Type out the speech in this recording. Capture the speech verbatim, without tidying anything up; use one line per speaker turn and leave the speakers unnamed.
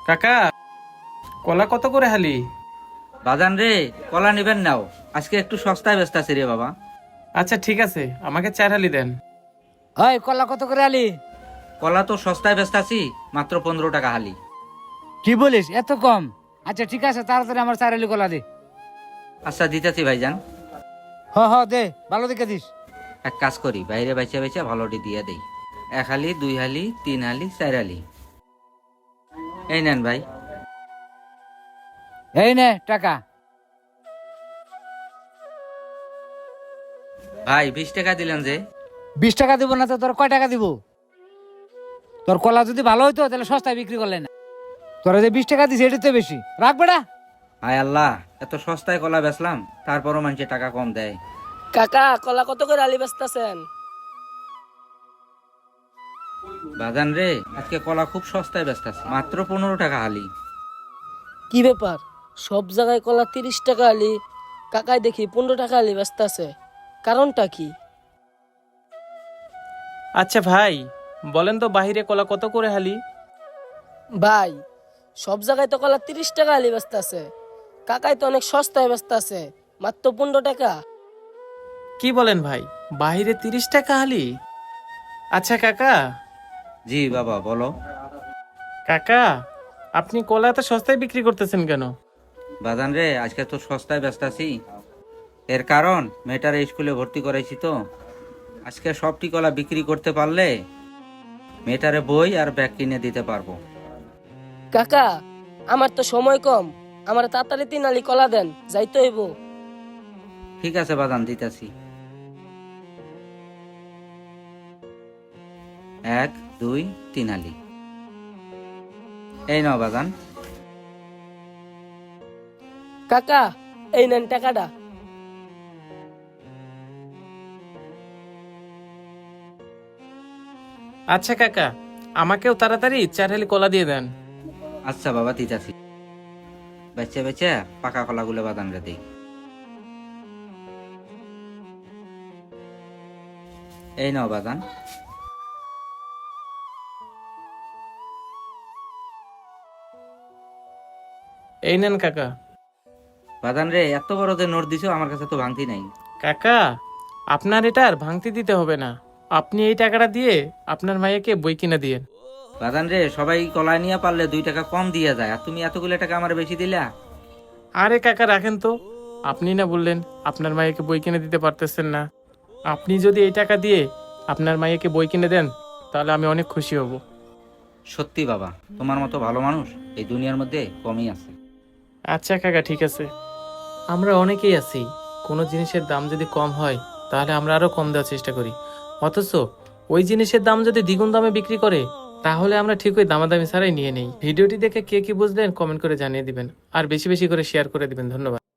কাকা, কলা কত করে হালি?
বাজান রে, কলা নিবেন নাও, আজকে একটু সস্তায় ব্যস্ত আছি রে বাবা।
আচ্ছা ঠিক আছে, আমাকে চার হালি দেন।
হয় কলা কত করে আলি?
কলা তো সস্তায় ব্যস্ত আছি, মাত্র পনেরো টাকা হালি।
কি বলিস, এত কম? আচ্ছা ঠিক আছে, তাড়াতাড়ি আমার চার আলি কলা দে।
আচ্ছা দিতেছি ভাইজান।
হ হ দে, ভালো দেখে দিস।
এক কাজ করি, বাইরে বেচা বেচা ভালোটি দিয়ে দেই। এক হালি, দুই হালি, তিন হালি, চার হালি। এই নেন ভাই।
এই নে টাকা।
ভাই বিশ টাকা দিলেন যে?
বিশ টাকা দিব না তো তোর কয় টাকা দিব? তোর কলা যদি ভালো হইতো তাহলে সস্তায় বিক্রি করলে না। তোরা যে বিশ টাকা দিস এটা তো বেশি, রাখ বেটা।
হায় আল্লাহ, এত সস্তায় কলা বেচলাম, তারপরও মানুষে টাকা কম দেয়।
কাকা, কলা কত করে আলি বেচতেছেন?
বাজান রে, আজকে কলা খুব সস্তায় ব্যস্ত আছে, মাত্র পনেরো টাকা হালি।
কি ব্যাপার, সব জায়গায় কলা তিরিশ টাকা আলি, কাকায় দেখি পনেরো টাকা আলি বেচতেছে, কারণটা কি?
আচ্ছা ভাই, বলেন তো বাহিরে কলা কত করে হালি?
ভাই, সব জায়গায় তো কলা তিরিশ টাকা আলি বেচতেছে, কাকায় তো অনেক সস্তায় বেচতেছে, মাত্র পনেরো টাকা।
কি বলেন ভাই, বাহিরে তিরিশ টাকা হালি? আচ্ছা কাকা।
জি বাবা বলো।
কাকা, আপনি কলা এত সস্তায় বিক্রি করতেছেন কেন?
বাজান রে, আজকে তো সস্তায় ব্যস্ত আছি, এর কারণ মেয়েটার স্কুলে ভর্তি করাইছি তো। আজকে সবটি কলা বিক্রি করতে পারলে মেয়েটারে বই আর ব্যাগ কিনে দিতে পারবো।
কাকা, আমার তো সময় কম, আমার তাড়াতাড়ি তিন আলি কলা দেন, যাইতে হইব।
ঠিক আছে বাজান, দিতেছি। এক, দুই, তিন আলি। এই নাও বাজান।
কাকা, এই নেন টাকাটা।
আচ্ছা কাকা, আমাকেও তাড়াতাড়ি চার হালি কলা দিয়ে দেন।
আচ্ছা বাবা, দিতেছি। বেচে বেচে পাকা কলাগুলো বাজান রে দিই। এই নাও বাজান।
এই নেন কাকা।
বাজান রে, এত বড় যে নোট দিছো, আমার কাছে তো ভাঙতি নাই।
কাকা, আপনার এটার ভাঙতি দিতে হবে না, আপনি এই টাকাটা দিয়ে আপনার মাইয়াকে বই কিনে দিয়েন।
বাজান রে, সবাই কলা নিয়ে পারলে দুই টাকা কম দিয়ে যায়, আর তুমি এতগুলো টাকা আমার বেশি দিলা।
আরে কাকা রাখেন তো, আপনি না বললেন আপনার মাইয়াকে বই কিনে দিতে পারতেছেন না? আপনি যদি এই টাকা দিয়ে আপনার মাইয়াকে বই কিনে দেন তাহলে আমি অনেক খুশি হব।
সত্যি বাবা, তোমার মতো ভালো মানুষ এই দুনিয়ার মধ্যে কমই আছে।
আচ্ছা কাকা ঠিক আছে। আমরা অনেকেই আছি, কোনো জিনিসের দাম যদি কম হয় তাহলে আমরা আরো কম দেওয়ার চেষ্টা করি, অথচ ওই জিনিসের দাম যদি দ্বিগুণ দামে বিক্রি করে তাহলে আমরা ঠিক ওই দামাদামি ছাড়াই নিয়ে নেই। ভিডিওটি দেখে কে কি বুঝলেন কমেন্ট করে জানিয়ে দিবেন, আর বেশি বেশি করে শেয়ার করে দিবেন। ধন্যবাদ।